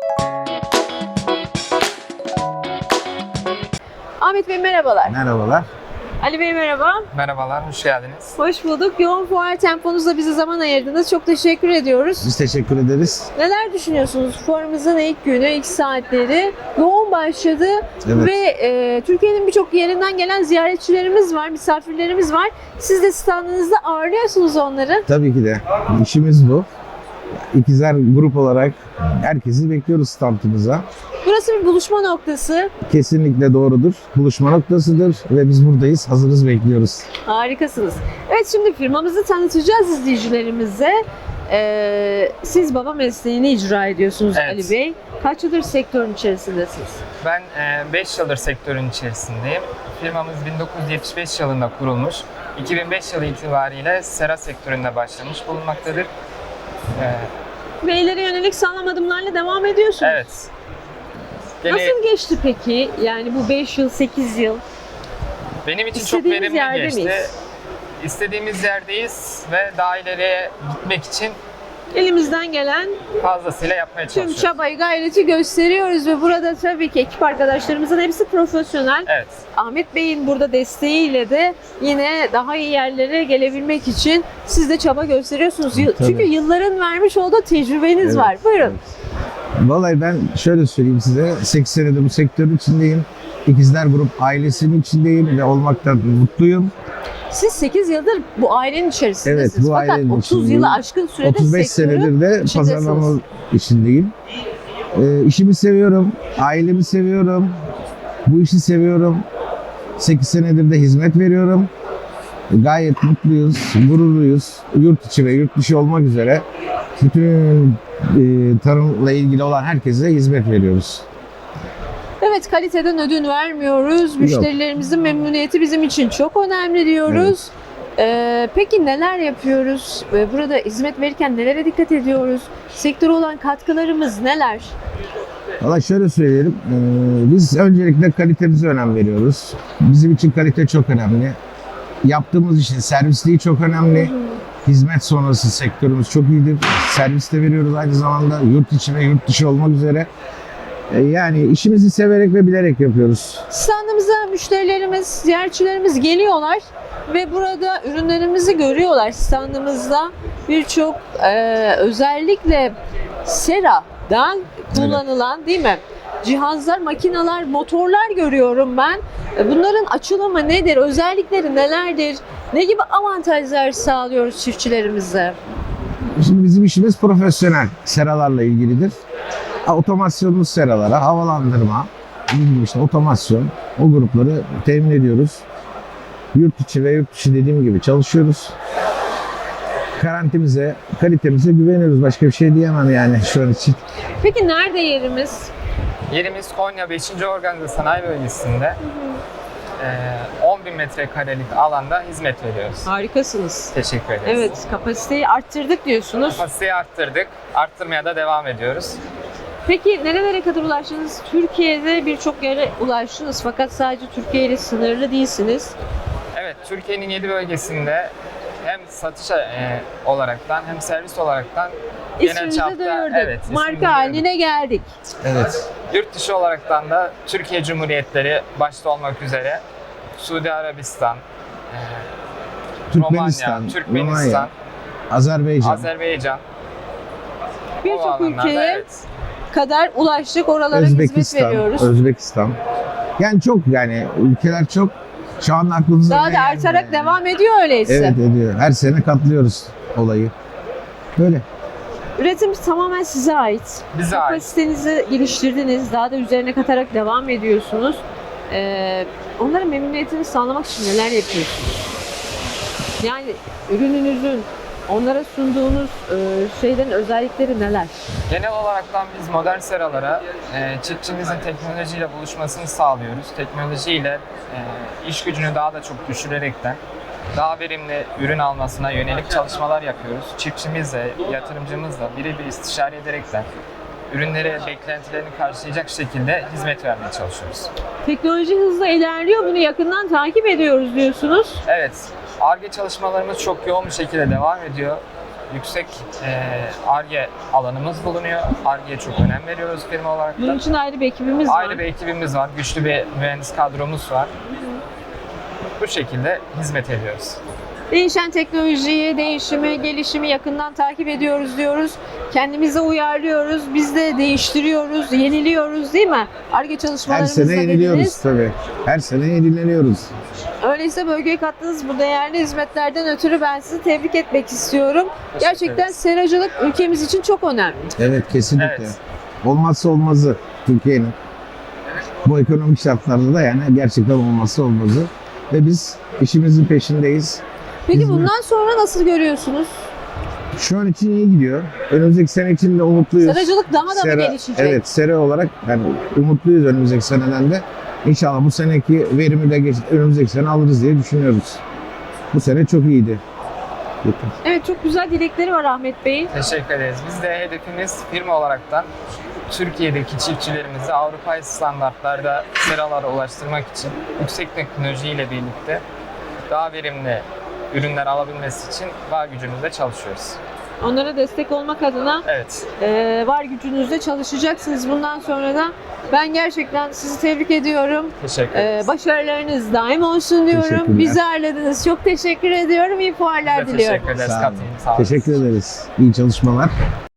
Ahmet Bey merhabalar. Merhabalar. Ali Bey merhaba. Merhabalar, hoş geldiniz. Hoş bulduk. Yoğun fuar temponuzda bize zaman ayırdınız. Çok teşekkür ediyoruz. Biz teşekkür ederiz. Neler düşünüyorsunuz? Fuarımızın ilk günü, ilk saatleri yoğun başladı Evet. ve Türkiye'nin birçok yerinden gelen ziyaretçilerimiz var, misafirlerimiz var. Siz de standınızda ağırlıyorsunuz onları. Tabii ki de işimiz bu. İkizler grup olarak herkesi bekliyoruz standımıza. Burası bir buluşma noktası. Kesinlikle doğrudur. Buluşma noktasıdır ve biz buradayız. Hazırız, bekliyoruz. Harikasınız. Evet, şimdi firmamızı tanıtacağız izleyicilerimize. Siz baba mesleğini icra ediyorsunuz Evet. Ali Bey. Kaç yıldır sektörün içerisindesiniz? Ben 5 yıldır sektörün içerisindeyim. Firmamız 1975 yılında kurulmuş. 2005 yılı itibariyle sera sektöründe başlamış bulunmaktadır. Ve ileri yönelik sağlam adımlarla devam ediyorsunuz. Evet. Gene Nasıl geçti peki? Yani bu 5 yıl, 8 yıl. benim için çok İstediğimiz verimli yerde geçti. miyiz? İstediğimiz yerdeyiz ve daha ileriye gitmek için Elimizden gelen fazlasıyla yapmaya tüm çalışıyoruz. çabayı, gayreti gösteriyoruz ve burada tabii ki ekip arkadaşlarımızın hepsi profesyonel. Evet. Ahmet Bey'in burada desteğiyle de yine daha iyi yerlere gelebilmek için siz de çaba gösteriyorsunuz. Tabii. Çünkü yılların vermiş olduğu tecrübeniz Evet. var. Buyurun. Vallahi ben şöyle söyleyeyim size. 8 senedir bu sektörün içindeyim. İkizler Grup ailesinin içindeyim ve olmaktan mutluyum. Siz 8 yıldır bu ailenin içerisindesiniz. Evet, bu Fakat ailenin 30 içindeyim. yılı aşkın sürede 35 sektörün senedir de içindesiniz. pazarlama içindeyim. İşimi seviyorum, ailemi seviyorum, bu işi seviyorum. 8 senedir de hizmet veriyorum. Gayet mutluyuz, gururluyuz. Yurt içi ve yurt dışı olmak üzere bütün tarımla ilgili olan herkese hizmet veriyoruz. Evet, kaliteden ödün vermiyoruz. Müşterilerimizin memnuniyeti bizim için çok önemli diyoruz. Peki neler yapıyoruz? Burada hizmet verirken nelere dikkat ediyoruz? Sektöre olan katkılarımız neler? Valla şöyle söyleyelim, biz öncelikle kalitemize önem veriyoruz. Bizim için kalite çok önemli. Yaptığımız işin servisliği çok önemli. Hizmet sonrası sektörümüz çok iyidir. Servis de veriyoruz aynı zamanda yurt içi ve yurt dışı olmak üzere. Yani işimizi severek ve bilerek yapıyoruz. Standımıza müşterilerimiz, ziyaretçilerimiz geliyorlar ve burada ürünlerimizi görüyorlar. Standımızda birçok özellikle seradan kullanılan değil mi? Cihazlar, makineler, motorlar görüyorum ben. Bunların açılımı nedir? Özellikleri nelerdir? Ne gibi avantajlar sağlıyoruz çiftçilerimize? Şimdi bizim işimiz profesyonel seralarla ilgilidir. Otomasyonlu seralara, havalandırma, işte otomasyon, o grupları temin ediyoruz. Yurt içi ve yurt dışı dediğim gibi çalışıyoruz. Garantimize, kalitemize güveniyoruz. Başka bir şey diyemem yani şu an için. Peki nerede yerimiz? Yerimiz Konya 5. Organize Sanayi Bölgesi'nde 10.000 metrekarelik alanda hizmet veriyoruz. Harikasınız. Teşekkür ederiz. Evet, kapasiteyi arttırdık diyorsunuz. Kapasiteyi arttırdık. Arttırmaya da devam ediyoruz. Peki nerelere kadar ulaştınız? Türkiye'de birçok yere ulaştınız fakat sadece Türkiye ile sınırlı değilsiniz. Evet, Türkiye'nin 7 bölgesinde hem satış olaraktan hem servis olaraktan genel İsmimizi çapta duyurduk. ismimizi Marka duyurduk. haline geldik. Evet. Yurt dışı olaraktan da Türkiye Cumhuriyetleri başta olmak üzere Suudi Arabistan, Türkmenistan, Romanya, Türkmenistan, Romanya, Azerbaycan. Azerbaycan. O Birçok alanlarda, ülkeye evet. kadar ulaştık, oralara hizmet veriyoruz. Özbekistan. Yani çok yani ülkeler çok. Şu an aklımıza Daha da geldi artarak yani. devam ediyor öyleyse. Evet ediyor. Her sene katlıyoruz olayı. Böyle. Üretim tamamen size ait. Bize ait. Kapasitenizi geliştirdiniz, daha da üzerine katarak devam ediyorsunuz. Onların memnuniyetini sağlamak için neler yapıyorsunuz? Yani ürününüzün onlara sunduğunuz şeylerin özellikleri neler? Genel olaraktan biz modern seralara çiftçimizin teknolojiyle buluşmasını sağlıyoruz. Teknolojiyle iş gücünü daha da çok düşürerekten daha verimli ürün almasına yönelik çalışmalar yapıyoruz. Çiftçimizle, yatırımcımızla birebir istişare ederekten ürünlere beklentilerini karşılayacak şekilde hizmet vermeye çalışıyoruz. Teknoloji hızla ilerliyor, bunu yakından takip ediyoruz diyorsunuz. Evet, Ar-Ge çalışmalarımız çok yoğun bir şekilde devam ediyor. yüksek Ar-Ge alanımız bulunuyor. Ar-Ge'ye çok önem veriyoruz firma olarak Bunun da. için ayrı bir ekibimiz var. Ayrı bir ekibimiz var, güçlü bir mühendis kadromuz var. Bu şekilde hizmet ediyoruz. Değişen teknolojiyi, değişimi, gelişimi yakından takip ediyoruz diyoruz. Kendimize uyarlıyoruz, biz de değiştiriyoruz, yeniliyoruz değil mi? Ar-Ge Her çalışmalarımızda sene yeniliyoruz dediniz. tabii. Her sene yenileniyoruz. Öyleyse bölgeye kattığınız bu değerli hizmetlerden ötürü ben sizi tebrik etmek istiyorum. Gerçekten ederiz. seracılık ülkemiz için çok önemli. Evet, kesinlikle. Evet. Olmazsa olmazı Türkiye'nin. Bu ekonomik şartlarda da yani gerçekten olmazsa olmazı. Ve biz işimizin peşindeyiz. Peki Hizmet. bundan sonra nasıl görüyorsunuz? Şu an için iyi gidiyor. Önümüzdeki sene için de umutluyuz. Seracılık daha da mı gelişecek? Evet, sera olarak yani umutluyuz önümüzdeki seneden de. İnşallah bu seneki verimi de önümüzdeki sene alırız diye düşünüyoruz. Bu sene çok iyiydi. Yeter. Evet, çok güzel dilekleri var Ahmet Bey'in. Teşekkür ederiz. Biz de hedefimiz firma olaraktan Türkiye'deki çiftçilerimizi Avrupa standartlarda seralara ulaştırmak için yüksek teknolojiyle birlikte daha verimli ürünler alabilmesi için var gücümüzle çalışıyoruz. Onlara destek olmak adına Evet. var gücünüzle çalışacaksınız bundan sonra da. Ben gerçekten sizi tebrik ediyorum. Teşekkür ederiz. Başarılarınız daim olsun diyorum. Teşekkürler. Bizi ağırladınız. Çok teşekkür ediyorum. İyi fuarlar Biz de diliyorum. teşekkür ederiz. Sağ olun. Katılım sağ olun. Teşekkür ederiz. İyi çalışmalar.